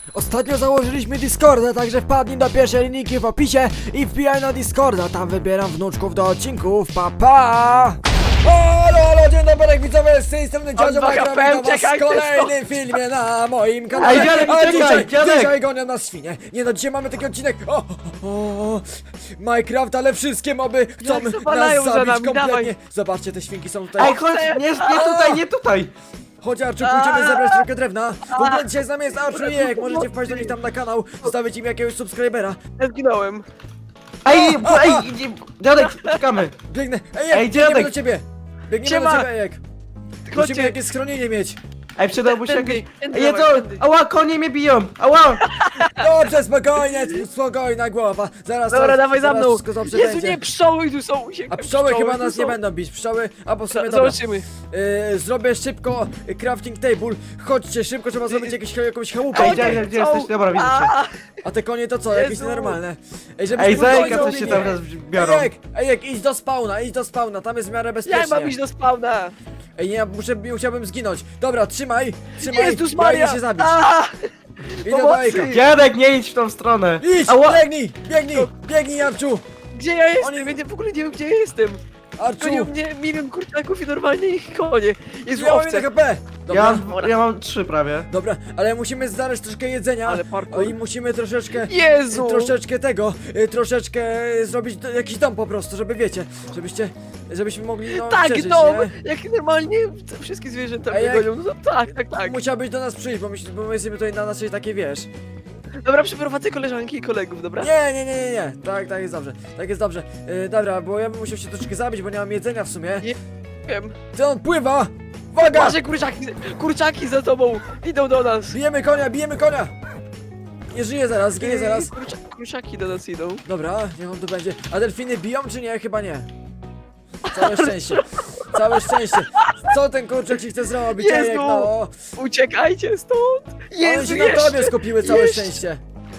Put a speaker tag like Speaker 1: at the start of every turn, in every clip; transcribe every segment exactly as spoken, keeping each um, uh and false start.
Speaker 1: Ostatnio założyliśmy Discorda, także wpadnij do pierwszej linijki w opisie i wbijaj na Discorda, tam wybieram wnuczków do odcinków, pa pa! Halo, halo, dzień dobry widzowie, z tej strony Dziadzio Minecraft, witam was w kolejnym filmie na moim kanale.
Speaker 2: Ej, dziadek,
Speaker 1: A
Speaker 2: czekaj,
Speaker 1: dzisiaj,
Speaker 2: dziadek.
Speaker 1: dzisiaj gonią nas świnie. Nie no, dzisiaj mamy taki odcinek, o, o, o Minecraft, ale wszystkie moby chcą
Speaker 3: Jak
Speaker 1: nas
Speaker 3: zawalają za
Speaker 1: zabić
Speaker 3: nami,
Speaker 1: kompletnie.
Speaker 3: dawaj.
Speaker 1: Zobaczcie, te świnki są tutaj.
Speaker 2: Ej, chodź, nie, nie tutaj, nie tutaj!
Speaker 1: Chodź Arczu, pójdziemy zebrać trochę drewna. W ogóle dzisiaj z nami jest Arczu i Jek, możecie wpaść do nich tam na kanał, zostawić im jakiegoś subskrybera.
Speaker 3: Ja zginąłem.
Speaker 2: Ej, bo, ej, idzie- dziadek, czekamy!
Speaker 1: Biegnę, ej Jek,
Speaker 2: Ej,
Speaker 1: biegniemy
Speaker 2: dziadek.
Speaker 1: do ciebie. Biegniemy
Speaker 3: Siema.
Speaker 1: do ciebie, Jek. Musimy
Speaker 3: Chodźcie.
Speaker 1: jakieś schronienie mieć.
Speaker 2: Ej, przydałby się
Speaker 3: Tędy,
Speaker 2: jakieś...
Speaker 3: tędy,
Speaker 2: Ej,
Speaker 3: dawaj,
Speaker 2: co?
Speaker 3: tędy.
Speaker 2: Ała, konie mnie biją! Ała!
Speaker 1: Dobrze, spokojnie, spokojna głowa. Zaraz,
Speaker 3: Dobra,
Speaker 1: zaraz,
Speaker 3: dawaj za
Speaker 1: zaraz
Speaker 3: mną.
Speaker 1: wszystko dobrze
Speaker 3: Jezu,
Speaker 1: będzie.
Speaker 3: nie, pszczoły tu są. Uciekaj,
Speaker 1: A pszczoły chyba
Speaker 3: tu
Speaker 1: nas nie
Speaker 3: są.
Speaker 1: będą bić, pszczoły, a po sumie
Speaker 3: Z-
Speaker 1: dobra.
Speaker 3: Zobaczymy.
Speaker 1: Yy, zrobię szybko y, crafting table. Chodźcie, szybko trzeba zrobić jakieś, jakąś chałupę.
Speaker 2: Ej, dziadek, gdzie jesteś? Dobra, widzę cię.
Speaker 3: A,
Speaker 1: A te konie to co, jakieś
Speaker 3: Jezu.
Speaker 1: nienormalne. Ej, żeby
Speaker 2: Ej,
Speaker 1: spokojnie
Speaker 2: zajka, coś się
Speaker 1: zrobili.
Speaker 2: tam raz biorą.
Speaker 1: Ejek, ejek, idź do spawna, idź do spawna, tam jest w miarę
Speaker 3: Ja
Speaker 1: bezpiecznie.
Speaker 3: mam iść do spawna.
Speaker 1: Ej, nie, muszę, musiałbym zginąć. Dobra, trzymaj, trzymaj,
Speaker 3: Jezus
Speaker 1: ja
Speaker 3: Maria.
Speaker 1: idę się zabić.
Speaker 3: A,
Speaker 1: Idę do
Speaker 3: pomocy.
Speaker 1: Ejka.
Speaker 2: Dziadek, nie idź w tą stronę!
Speaker 1: Idź,
Speaker 2: Ała!
Speaker 1: biegnij, biegnij, biegnij, Arczu.
Speaker 3: Gdzie ja jestem?
Speaker 1: Oni-
Speaker 3: Ja nie- w ogóle nie wiem, gdzie ja jestem.
Speaker 1: Arczu,
Speaker 3: Gonią mnie milion kurczaków i normalnie ich konie. Jezu,
Speaker 1: ja mam
Speaker 3: owce.
Speaker 1: jeden H P. Dobra,
Speaker 2: Ja mam, ja mam trzy prawie.
Speaker 1: dobra, ale musimy znaleźć troszkę jedzenia.
Speaker 3: Ale parkour.
Speaker 1: O, i musimy troszeczkę,
Speaker 3: Jezu.
Speaker 1: troszeczkę tego, y, troszeczkę zrobić do, jakiś dom po prostu, żeby wiecie, żebyście, żebyśmy mogli no,
Speaker 3: Tak,
Speaker 1: przeżyć,
Speaker 3: dom.
Speaker 1: nie?
Speaker 3: Jak normalnie te wszystkie zwierzęta
Speaker 1: A
Speaker 3: mnie
Speaker 1: jak-
Speaker 3: gonią. No to tak, tak, tak.
Speaker 1: Musiałbyś do nas przyjść, bo my, bo my jesteśmy tutaj na naszej takiej, wiesz.
Speaker 3: Dobra, przyprowadzę koleżanki i kolegów, dobra?
Speaker 1: Nie, nie, nie, nie, nie, tak, tak jest dobrze, tak jest dobrze. Yy, dobra, bo ja bym musiał się troszeczkę zabić, bo nie mam jedzenia w sumie.
Speaker 3: Nie wiem.
Speaker 1: Ty on pływa! Uwaga!
Speaker 3: Masz kurczaki, kurczaki za tobą. Idą do nas.
Speaker 1: Bijemy konia, bijemy konia! Nie żyje zaraz, zginie zaraz.
Speaker 3: Kurcza, kurczaki do nas idą.
Speaker 1: Dobra, niech on tu będzie. A delfiny biją czy nie? Chyba nie. Całe szczęście. Całe szczęście. Co ten kurczak ci chce zrobić?
Speaker 3: Jezu!
Speaker 1: Ejek, no.
Speaker 3: Uciekajcie stąd.
Speaker 1: One
Speaker 3: Jezu,
Speaker 1: się na
Speaker 3: jeszcze.
Speaker 1: tobie skupiły, całe
Speaker 3: jeszcze.
Speaker 1: szczęście.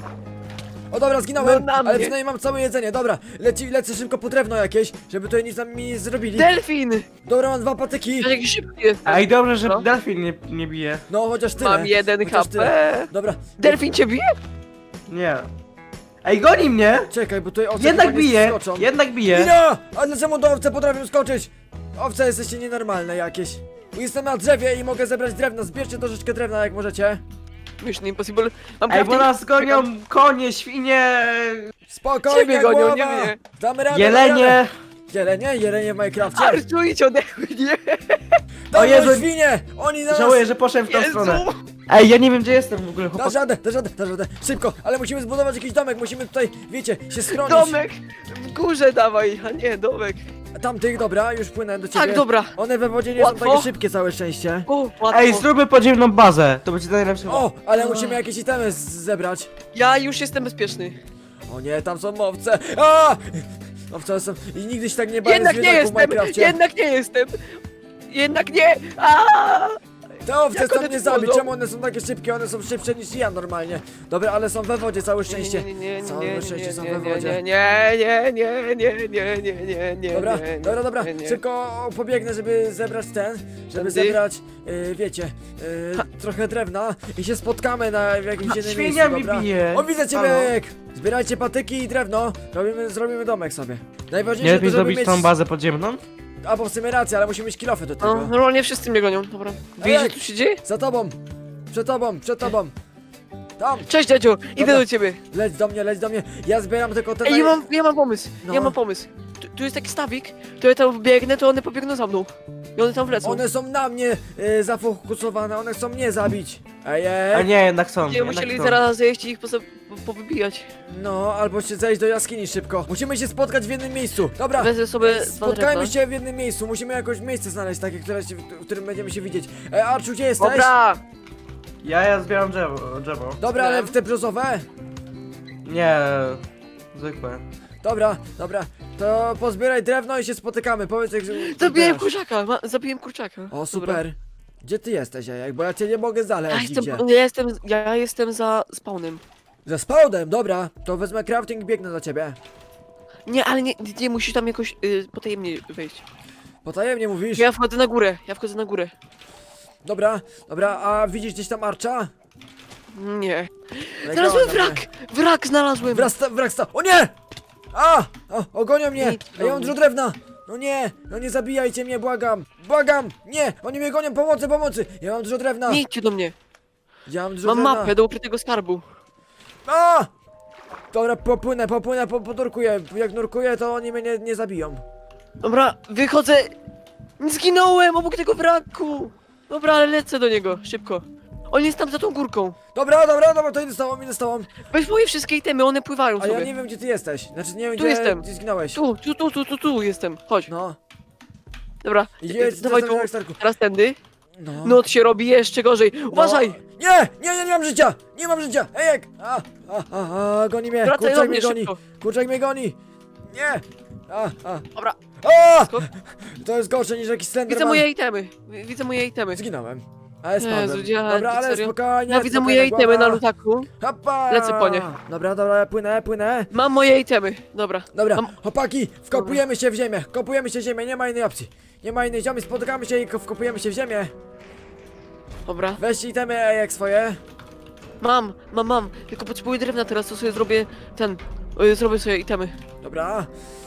Speaker 1: O dobra, zginąłem,
Speaker 3: No na
Speaker 1: ale
Speaker 3: mnie.
Speaker 1: przynajmniej mam całe jedzenie. Dobra, leci, lecę szybko po drewno jakieś, żeby tutaj nic nam mi nie zrobili.
Speaker 3: Delfin.
Speaker 1: Dobra, mam dwa patyki.
Speaker 3: Ja jakiś szybki jestem.
Speaker 2: Ej, dobrze, że
Speaker 3: Co?
Speaker 2: delfin nie, nie bije.
Speaker 1: No, chociaż tyle.
Speaker 3: Mam jeden
Speaker 1: Chociaż
Speaker 3: H
Speaker 1: tyle.
Speaker 3: P.
Speaker 1: Dobra,
Speaker 3: Delfin cię bije?
Speaker 2: Nie. Ej, goni mnie!
Speaker 1: czekaj, bo tutaj owce
Speaker 2: Jednak
Speaker 1: chyba nie
Speaker 2: bije!
Speaker 1: skoczą.
Speaker 2: Jednak bije!
Speaker 1: Ina! A dlaczego do owce potrafią skoczyć? Owce jesteście nienormalne jakieś. Jestem na drzewie i mogę zebrać drewno. Zbierzcie troszeczkę drewna jak możecie.
Speaker 3: Mission Impossible. Mam
Speaker 2: Ej, bo
Speaker 3: crafting-
Speaker 2: nas gonią konie, świnie...
Speaker 1: Spokojnie,
Speaker 3: Ciebie gonią,
Speaker 1: głowa.
Speaker 3: nie mnie.
Speaker 1: Damy radę, damy
Speaker 2: Jelenie!
Speaker 1: radę. Jelenie? Jelenie w Minecrafcie?
Speaker 3: Arczu, idź ode mnie.
Speaker 1: Dawaj,
Speaker 2: Jezu.
Speaker 1: świnie! Oni nas...
Speaker 2: Żałuję, że poszedłem w tą
Speaker 3: Jezu.
Speaker 2: stronę. Ej, ja nie wiem, gdzie jestem w ogóle,
Speaker 1: Dasz
Speaker 2: chłopak.
Speaker 1: radę, dasz radę, dasz radę. Szybko, ale musimy zbudować jakiś domek. Musimy tutaj, wiecie, się schronić.
Speaker 3: Domek. W górze dawaj, a nie, domek.
Speaker 1: Tamtych, dobra, już płynę do ciebie.
Speaker 3: Tak, dobra.
Speaker 1: One we wodzie nie
Speaker 3: Łatwo.
Speaker 1: są takie szybkie, całe szczęście.
Speaker 3: O, łatwo.
Speaker 2: Ej, zróbmy podziemną bazę. To będzie najlepsze.
Speaker 1: O, ale musimy jakieś itemy z- zebrać.
Speaker 3: Ja już jestem bezpieczny.
Speaker 1: O nie, tam są owce. A! Owce są... I nigdy się tak nie bałem
Speaker 3: Jednak nie
Speaker 1: zwierzaków w
Speaker 3: jestem,
Speaker 1: Minecrafcie.
Speaker 3: jednak nie jestem. Jednak nie. Aaaa!
Speaker 1: Te owce
Speaker 3: Jak
Speaker 1: chcą
Speaker 3: one
Speaker 1: mnie
Speaker 3: tu
Speaker 1: zabić,
Speaker 3: chodzą?
Speaker 1: czemu one są takie szybkie? One są szybsze niż ja normalnie. Dobra, ale są we wodzie, całe szczęście.
Speaker 3: Nie, nie, nie,
Speaker 1: Całe
Speaker 3: nie, nie,
Speaker 1: szczęście
Speaker 3: nie,
Speaker 1: są
Speaker 3: nie,
Speaker 1: we
Speaker 3: nie,
Speaker 1: wodzie.
Speaker 3: nie, nie, nie, nie, nie, nie, nie, nie,
Speaker 1: Dobra,
Speaker 3: nie, nie,
Speaker 1: dobra, dobra,
Speaker 3: nie, nie.
Speaker 1: szybko pobiegnę, żeby zebrać ten, żeby
Speaker 3: Tędy?
Speaker 1: zebrać, yy, wiecie, yy, trochę drewna i się spotkamy na w jakimś
Speaker 2: Ha,
Speaker 1: innym
Speaker 2: świnia
Speaker 1: miejscu,
Speaker 2: mi
Speaker 1: dobra?
Speaker 2: bije.
Speaker 1: O, widzę ciebie,
Speaker 2: Halo?
Speaker 1: Ejek! Zbierajcie patyki i drewno, robimy, zrobimy domek sobie.
Speaker 2: Nie
Speaker 1: Najważniejsze
Speaker 2: lepiej
Speaker 1: to, żeby
Speaker 2: zrobić
Speaker 1: mieć...
Speaker 2: tą bazę podziemną?
Speaker 1: A, bo w sumie racja, ale musimy mieć kilofy do tego.
Speaker 3: No, normalnie wszyscy mnie gonią, dobra. Widzisz, co
Speaker 1: jak?
Speaker 3: tu się dzieje?
Speaker 1: Za tobą, przed tobą, przed tobą. Tam,
Speaker 3: Cześć, dziadziu, idę
Speaker 1: Dobra.
Speaker 3: do ciebie.
Speaker 1: leć do mnie, leć do mnie. Ja zbieram tylko te...
Speaker 3: Ej,
Speaker 1: naj-
Speaker 3: ja mam, ja mam pomysł,
Speaker 1: No.
Speaker 3: ja mam pomysł. Tu, tu jest taki stawik, to ja tam biegnę, to one pobiegną za mną. I one tam wlecą.
Speaker 1: One są na mnie y, zafokusowane, one chcą mnie zabić. Ej,
Speaker 2: A
Speaker 1: ej.
Speaker 2: nie, jednak są.
Speaker 3: Nie
Speaker 2: jednak
Speaker 3: musieli
Speaker 2: są.
Speaker 3: zaraz zejść i ich poza, po, powybijać.
Speaker 1: No, albo się zejść do jaskini szybko. Musimy się spotkać w jednym miejscu. Dobra,
Speaker 3: Wezmę sobie
Speaker 1: e,
Speaker 3: dwa
Speaker 1: spotkajmy
Speaker 3: drewna.
Speaker 1: się w jednym miejscu. Musimy jakoś miejsce znaleźć takie, które się, w którym będziemy się widzieć. E, Arczu, gdzie jesteś?
Speaker 3: Dobra!
Speaker 2: Ja, ja zbieram drzewo. drzewo.
Speaker 1: Dobra, ale w te brzozowe?
Speaker 2: Nie, zwykłe.
Speaker 1: Dobra, dobra. To pozbieraj drewno i się spotykamy. Powiedz jak... że-
Speaker 3: Zabiłem
Speaker 1: zbierasz.
Speaker 3: kurczaka, ma, zabiłem kurczaka.
Speaker 1: O, super. Gdzie ty jesteś, Ejek? Bo ja cię nie mogę
Speaker 3: Ja
Speaker 1: znaleźć. Gdzie?
Speaker 3: jestem, ja jestem, ja jestem za spawnem.
Speaker 1: Za spawnem, dobra. To wezmę crafting i biegnę do ciebie.
Speaker 3: Nie, ale nie, nie musisz tam jakoś y, potajemnie wejść.
Speaker 1: Potajemnie mówisz?
Speaker 3: Ja wchodzę na górę, ja wchodzę na górę.
Speaker 1: Dobra, dobra, a widzisz gdzieś tam Archa?
Speaker 3: Nie.
Speaker 1: Najgorzej,
Speaker 3: Znalazłem
Speaker 1: dobra.
Speaker 3: wrak! Wrak znalazłem!
Speaker 1: Wraz, sta- wrak sta- O nie! A! O, ogonią mnie!
Speaker 3: Nic
Speaker 1: A ja mam
Speaker 3: do
Speaker 1: dużo
Speaker 3: mnie.
Speaker 1: drewna! No nie! No nie zabijajcie mnie, błagam! Błagam! Nie! Oni mnie gonią! Pomocy, pomocy! Ja mam dużo drewna!
Speaker 3: Nie idźcie do mnie.
Speaker 1: Ja mam dużo
Speaker 3: Mam
Speaker 1: drewna!
Speaker 3: mapę do ukrytego skarbu.
Speaker 1: A! Dobra, popłynę, popłynę, po, podurkuję. Jak nurkuję, to oni mnie nie, nie zabiją.
Speaker 3: Dobra, wychodzę. Zginąłem obok tego wraku. Dobra, ale lecę do niego, szybko. On jest tam za tą górką.
Speaker 1: Dobra, dobra, dobra, to idę z tobą, idę z tobą.
Speaker 3: Weź moje wszystkie itemy, one pływają
Speaker 1: A
Speaker 3: sobie.
Speaker 1: ja nie wiem, gdzie ty jesteś. Znaczy, nie wiem,
Speaker 3: Tu
Speaker 1: gdzie,
Speaker 3: jestem.
Speaker 1: gdzie zginąłeś.
Speaker 3: Tu, tu, tu, tu, tu, tu jestem. Chodź.
Speaker 1: No.
Speaker 3: Dobra,
Speaker 1: Jedź,
Speaker 3: dawaj
Speaker 1: co
Speaker 3: tu.
Speaker 1: tam, Starku.
Speaker 3: Teraz tędy.
Speaker 1: No.
Speaker 3: Noc się robi jeszcze gorzej. Uważaj!
Speaker 1: No. Nie, nie, nie, nie mam życia! Nie mam życia! Ejek! A, a, a, a, goni mnie!
Speaker 3: Wracaj do
Speaker 1: Kurczak
Speaker 3: mnie
Speaker 1: mnie goni!
Speaker 3: szybko.
Speaker 1: Kurczak mnie goni! Nie! A, a,
Speaker 3: Dobra,
Speaker 1: a!
Speaker 3: skok.
Speaker 1: To jest gorsze niż jakiś
Speaker 3: Widzę
Speaker 1: Slenderman.
Speaker 3: moje itemy. Widzę moje itemy.
Speaker 1: Zginąłem. Ale
Speaker 3: Jezu,
Speaker 1: spadłem.
Speaker 3: dziadek,
Speaker 1: Dobra, ale
Speaker 3: serio?
Speaker 1: spokojnie,
Speaker 3: Ja widzę
Speaker 1: spokojnie,
Speaker 3: moje itemy na
Speaker 1: głowa.
Speaker 3: lutaku.
Speaker 1: Hopa!
Speaker 3: Lecę po nie.
Speaker 1: Dobra, dobra, ja płynę, płynę.
Speaker 3: Mam moje itemy. Dobra.
Speaker 1: Dobra,
Speaker 3: Mam...
Speaker 1: chłopaki, wkopujemy się w ziemię, kopujemy się w ziemię, nie ma innej opcji. Nie ma innej ziomy, spotykamy się i ko- wkopujemy się w ziemię.
Speaker 3: Dobra.
Speaker 1: Weźcie itemy jak swoje.
Speaker 3: Mam, mam, mam. Tylko potrzebuję drewna teraz, to sobie zrobię ten. y, Zrobię sobie itemy.
Speaker 1: Dobra.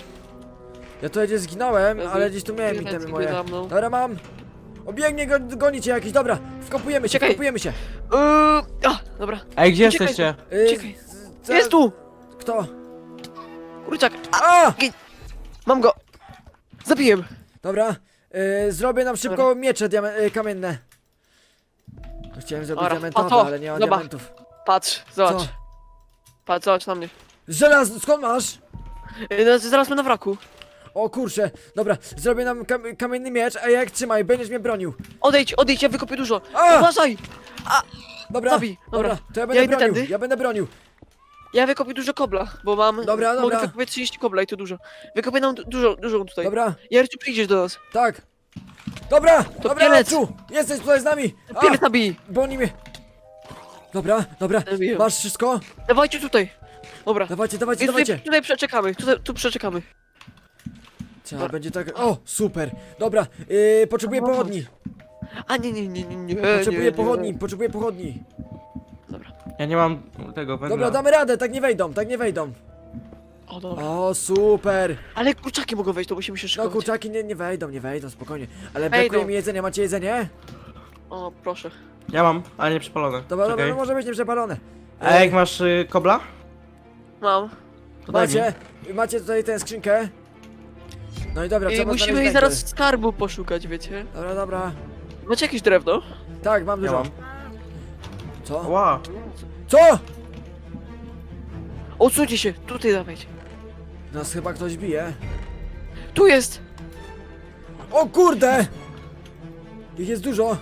Speaker 1: Ja tutaj gdzieś zginąłem,
Speaker 3: Jezu,
Speaker 1: ale gdzieś tu miałem
Speaker 3: biegnie
Speaker 1: itemy
Speaker 3: sobie
Speaker 1: moje.
Speaker 3: za mną.
Speaker 1: Dobra, mam. Obiegnie, go, gonicie jakiś, dobra. Wkopujemy się,
Speaker 3: Czekaj.
Speaker 1: wkopujemy się.
Speaker 3: Yy, a, dobra.
Speaker 2: Ej, gdzie
Speaker 3: Uciekaj.
Speaker 2: jesteście?
Speaker 1: Yy,
Speaker 3: Czekaj.
Speaker 1: z- co-
Speaker 3: Jest tu!
Speaker 1: Kto?
Speaker 3: Kurczak. A,
Speaker 1: A!
Speaker 3: mam go. Zabiłem.
Speaker 1: Dobra, yy, zrobię nam szybko miecze diame- yy, kamienne. Chciałem zrobić
Speaker 3: Dobra,
Speaker 1: diamentowe,
Speaker 3: a to,
Speaker 1: ale nie mam
Speaker 3: zobacz.
Speaker 1: diamentów.
Speaker 3: Patrz, zobacz.
Speaker 1: Co?
Speaker 3: Patrz, zobacz na mnie.
Speaker 1: Żelaz, skąd masz?
Speaker 3: Yy, no, zaraz my na wraku.
Speaker 1: O kurczę, dobra, zrobię nam kam kamienny miecz, a jak trzymaj, będziesz mnie bronił.
Speaker 3: Odejdź, odejdź, ja wykopię dużo.
Speaker 1: A!
Speaker 3: Uważaj!
Speaker 1: Dobra,
Speaker 3: Zabij, dobra.
Speaker 1: to ja będę
Speaker 3: Ja idę
Speaker 1: bronił,
Speaker 3: tędy.
Speaker 1: ja będę bronił.
Speaker 3: Ja wykopię dużo kobla, bo mam.
Speaker 1: Dobra,
Speaker 3: Mogę
Speaker 1: dobra.
Speaker 3: wykopię trzydzieści kobla i to dużo. Wykopię nam du- dużo, dużo tutaj.
Speaker 1: Dobra,
Speaker 3: Jarciu, przyjdziesz do nas.
Speaker 1: tak. Dobra, dobra,
Speaker 3: pielec.
Speaker 1: Leczu, jesteś tutaj z nami. A,
Speaker 3: Pielec nabij.
Speaker 1: bo oni mnie... Dobra, dobra,
Speaker 3: Zabiję.
Speaker 1: masz wszystko?
Speaker 3: Dawajcie tutaj. Dobra.
Speaker 1: Dawajcie, dawajcie,
Speaker 3: I tutaj,
Speaker 1: dawajcie.
Speaker 3: tutaj przeczekamy, tutaj, tu przeczekamy.
Speaker 1: Trzeba będzie tak... O, super, dobra, yy, potrzebuję
Speaker 3: Dobra.
Speaker 1: pochodni.
Speaker 3: A nie, nie, nie, nie, nie.
Speaker 1: Potrzebuję
Speaker 3: nie, nie.
Speaker 1: pochodni, potrzebuję pochodni.
Speaker 3: Dobra.
Speaker 2: Ja nie mam tego węgla.
Speaker 1: Dobra, damy radę, tak nie wejdą, tak nie wejdą.
Speaker 3: O, dobra.
Speaker 1: O, super.
Speaker 3: Ale kurczaki mogą wejść, to musimy się
Speaker 1: No
Speaker 3: szykować.
Speaker 1: kurczaki nie, nie wejdą, nie wejdą, spokojnie. Ale
Speaker 3: Wejdą.
Speaker 1: brakuje mi jedzenia, macie jedzenie?
Speaker 3: O, proszę.
Speaker 2: Ja mam, ale nie przepalone.
Speaker 1: Dobra, dobra,
Speaker 2: Czekaj.
Speaker 1: no może być nieprzepalone.
Speaker 2: A jak masz y, kobla?
Speaker 3: Mam.
Speaker 2: To daj mi.
Speaker 1: Macie, macie tutaj tę skrzynkę. No i dobra,
Speaker 3: I
Speaker 1: trzeba
Speaker 3: musimy
Speaker 1: znaleźć
Speaker 3: jej zaraz
Speaker 1: węgiel.
Speaker 3: skarbu poszukać, wiecie?
Speaker 1: Dobra, dobra.
Speaker 3: Macie jakieś drewno?
Speaker 1: Tak, mam
Speaker 2: Ja
Speaker 1: dużo.
Speaker 2: mam.
Speaker 1: Co?
Speaker 2: Ła.
Speaker 1: Co?
Speaker 3: Odsuńcie się, tutaj dawajcie.
Speaker 1: Nas chyba ktoś bije.
Speaker 3: Tu jest!
Speaker 1: O kurde! Ich jest dużo.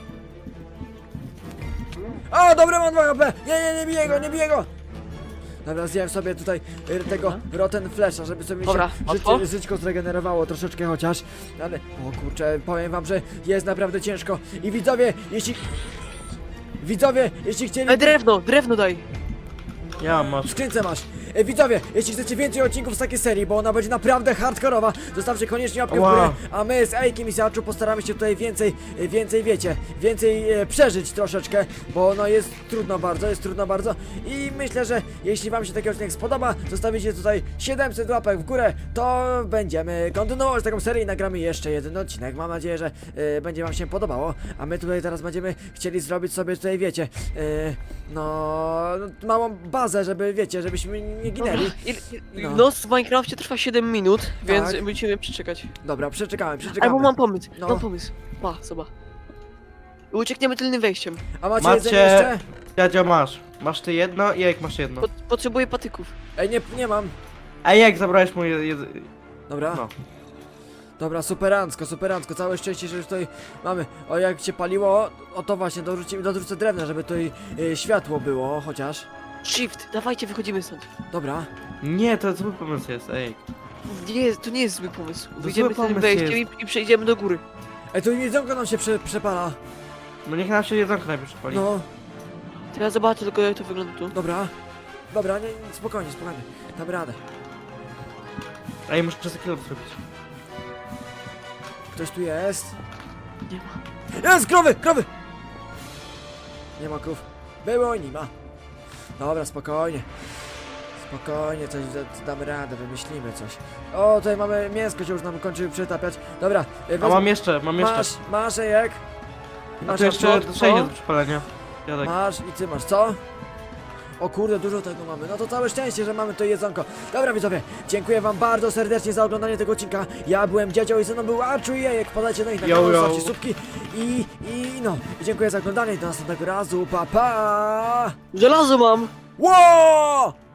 Speaker 1: A, dobra, mam dwa H P. Nie, nie, nie biję go, nie biję go. Dobra, zjem sobie tutaj y, tego rotten flesza, żeby sobie
Speaker 3: Dobra,
Speaker 1: się
Speaker 3: łatwo?
Speaker 1: życie, żyćko zregenerowało troszeczkę chociaż. Ale, o kurczę, powiem wam, że jest naprawdę ciężko. I widzowie, jeśli... Widzowie, jeśli chcieli...
Speaker 3: E, drewno, drewno daj!
Speaker 2: Ja masz.
Speaker 1: W skrzynce masz. E, widzowie, jeśli chcecie więcej odcinków z takiej serii, bo ona będzie naprawdę hardkorowa, zostawcie koniecznie łapkę w
Speaker 2: Wow.
Speaker 1: górę, a my z Ejkiem i Siaczu postaramy się tutaj więcej, e, więcej wiecie, więcej e, przeżyć troszeczkę, bo no jest trudno bardzo, jest trudno bardzo i myślę, że jeśli wam się taki odcinek spodoba, zostawicie tutaj siedemset łapek w górę, to będziemy kontynuować taką serię i nagramy jeszcze jeden odcinek. Mam nadzieję, że e, będzie wam się podobało, a my tutaj teraz będziemy chcieli zrobić sobie tutaj, wiecie, e, no, małą bazę, żeby, wiecie, żebyśmy nie ginęli.
Speaker 3: Il, il,
Speaker 1: No.
Speaker 3: Noc w Minecrafcie trwa siedem minut, więc
Speaker 1: Tak.
Speaker 3: musimy przeczekać.
Speaker 1: Dobra, przeczekałem, przeczekamy.
Speaker 3: Albo mam pomysł,
Speaker 1: No.
Speaker 3: mam pomysł. Pa, zobacz. I uciekniemy tylnym wejściem.
Speaker 1: A macie,
Speaker 2: Macie-
Speaker 1: jedzenie jeszcze?
Speaker 2: Dziadzio masz. Masz ty jedno i jak masz jedno.
Speaker 3: Pot, potrzebuję patyków.
Speaker 1: Ej, nie, nie mam.
Speaker 2: A jak zabrałeś mu jed... jed...
Speaker 1: Dobra,
Speaker 2: No.
Speaker 1: dobra, superancko, superancko, całe szczęście, że już tutaj mamy. O, jak się paliło, o to właśnie, dorzucimy, dorzucę drewna, żeby tutaj y, światło było, chociaż.
Speaker 3: Shift, dawajcie, wychodzimy stąd.
Speaker 1: Dobra,
Speaker 2: Nie, to zły pomysł jest, ej.
Speaker 3: Nie, to nie jest zły pomysł.
Speaker 2: To
Speaker 3: Wyjdziemy
Speaker 2: zły
Speaker 3: tylnym
Speaker 2: pomysł
Speaker 3: wejściem i, i przejdziemy do góry.
Speaker 1: ej, tu jedzonko nam się prze, przepala.
Speaker 2: No niech nam się jedzonko najpierw przepali.
Speaker 1: No,
Speaker 3: To ja zobaczę tylko jak to wygląda tu.
Speaker 1: dobra, dobra, nie, nie, spokojnie, spokojnie, damy radę.
Speaker 2: Ej, muszę przez kilo zrobić.
Speaker 1: Ktoś tu jest?
Speaker 3: Nie ma.
Speaker 1: Jest, krowy, krowy! Nie ma krów. Było i nie ma. Dobra, spokojnie. Spokojnie, coś da- damy radę, wymyślimy coś. O, tutaj mamy mięsko, się już nam kończy przytapiać. Dobra, y,
Speaker 2: A
Speaker 1: wezmę-
Speaker 2: mam jeszcze, mam jeszcze.
Speaker 1: Masz, masz jajek? I
Speaker 2: A
Speaker 1: masz
Speaker 2: tu jeszcze
Speaker 1: jabłko?
Speaker 2: sześć jest do przypalenia. Dziadek.
Speaker 1: Masz i ty masz, co? O kurde, dużo tego mamy. No to całe szczęście, że mamy to jedzonko. Dobra widzowie, dziękuję wam bardzo serdecznie za oglądanie tego odcinka. Ja byłem Dziadzio i ze mną był Arczu i Jejek. Podajcie na nich na
Speaker 2: Yo,
Speaker 1: kanał,
Speaker 2: yo.
Speaker 1: zostawcie słupki i, i no. I dziękuję za oglądanie i do następnego razu. Pa, pa!
Speaker 3: Żelazo mam!
Speaker 1: Ło!